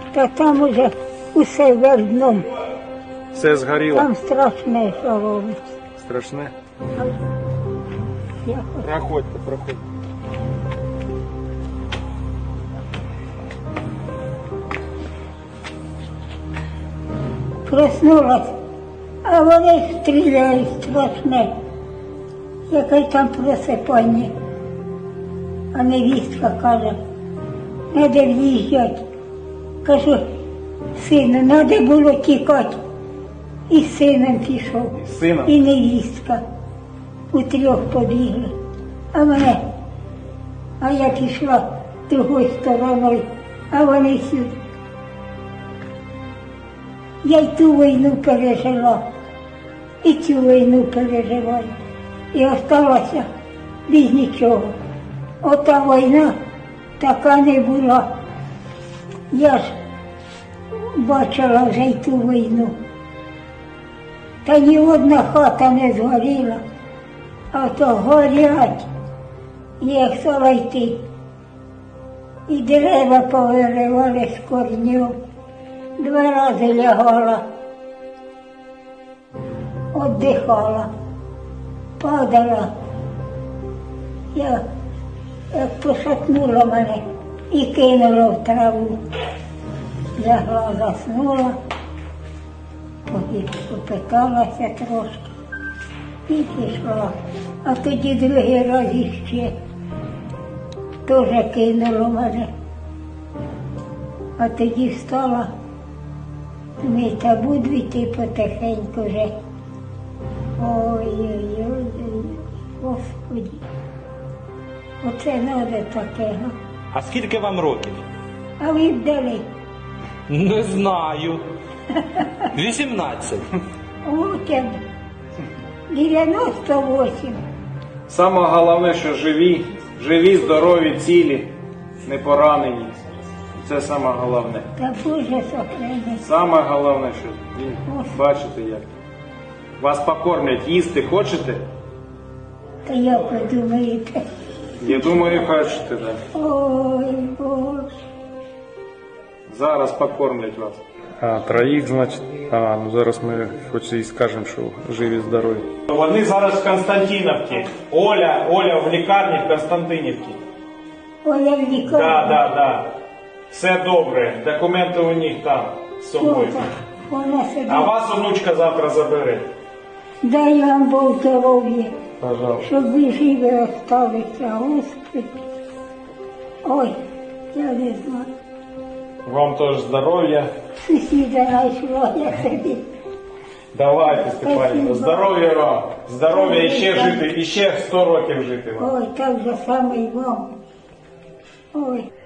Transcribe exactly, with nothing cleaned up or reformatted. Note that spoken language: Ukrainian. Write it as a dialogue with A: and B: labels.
A: Та там уже усе вердном.
B: Все згоріло.
A: Там страшне, що робиться.
B: Страшне.
A: Я хоч-
B: Проходьте, проходьте.
A: Проснулась, а вони стріляють страшне. Яке там просипання. А невістка каже, треба в'їжджати. Кажу, сину, треба було тікати. І з сином пішов,
B: І з сином?
A: і невістка. У трьох побігли. А мене, а я пішла другою стороною, а вони сюди. Я й ту війну пережила, і цю війну переживаю. І осталася без нічого. Ота війна така не була. Я ж бачила вже й ту війну. Та ні одна хата не згоріла, а то горять, як стала йти. І дерева повиривали з корнів. Два рази лягала, віддихала, падала. Я як пошатнула мене і кинула в траву. Лягла, заснула, поки попиталася трошки і пішла. А тоді другий раз іще теж кинуло мене. А тоді встала, ми та буду йти потихеньку вже. Ой-ой-ой, Господи, оце треба таке, га?
C: А скільки вам років?
A: А ви вдали.
C: Не знаю. вісімнадцять.
A: От я дев'яносто вісім.
B: Саме головне, що живі, живі, здорові, цілі, не поранені. Це саме головне.
A: Та Боже сохрани.
B: Саме головне, що ви бачите як. Вас покормлять, їсти хочете?
A: Та як ви думаєте?
B: Я думаю, хочете, так.
A: Ой, Боже.
B: Зараз покормлять вас. А, троїх, значить. А, ну зараз ми хоч і скажемо, що живі, здорові.
D: Вони зараз в Константинівці. Оля, Оля в лікарні в Константинівці.
A: Оля в лікарні.
D: Да, да, да. Все добре. Документи у них там з собою.
A: Що так? Вона сидить.
D: А вас онучка завтра забере.
A: Дай вам Бог здоров'я,
D: Пожалуйста.
A: щоб ви живі осталися, Господи. Ой, я не знаю.
D: Вам теж здоров'я.
A: Сусіда знайшла, я собі.
D: Давайте, Степанівна.
A: Спасибо.
D: Здоров'я вам. Здоров'я і ще жити, і ще сто років жити вам.
A: Ой, так же саме й вам. Ой.